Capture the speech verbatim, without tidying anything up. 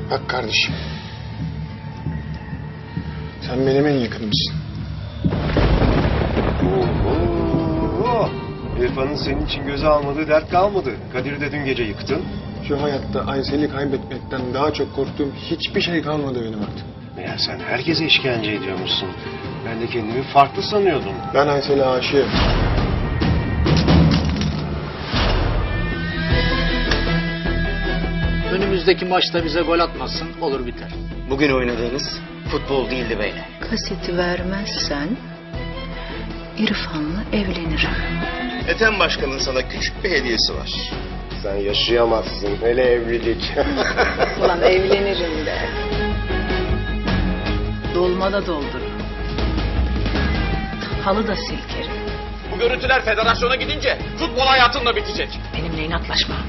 Bak kardeşim. Sen benim en yakınımsın. Oo, İrfan'ın senin için göze almadığı dert kalmadı. Kadir'i de dün gece yıktın. Şu hayatta Aysel'i kaybetmekten daha çok korktuğum hiçbir şey kalmadı benim artık. Meğer sen herkese işkence ediyormuşsun. Ben de kendimi farklı sanıyordum. Ben Aysel'e aşığım. Önümüzdeki maçta bize gol atmasın, olur biter. Bugün oynadığınız futbol değildi beyler. Kaseti vermezsen İrfan'la evlenirim. Ethem Başkan'ın sana küçük bir hediyesi var. Sen yaşayamazsın. Hele evlilik. Ulan evlenirim de. Dolmada doldururum. Halı da silkerim. Bu görüntüler federasyona gidince futbol hayatınla bitecek. Benimle inatlaşma.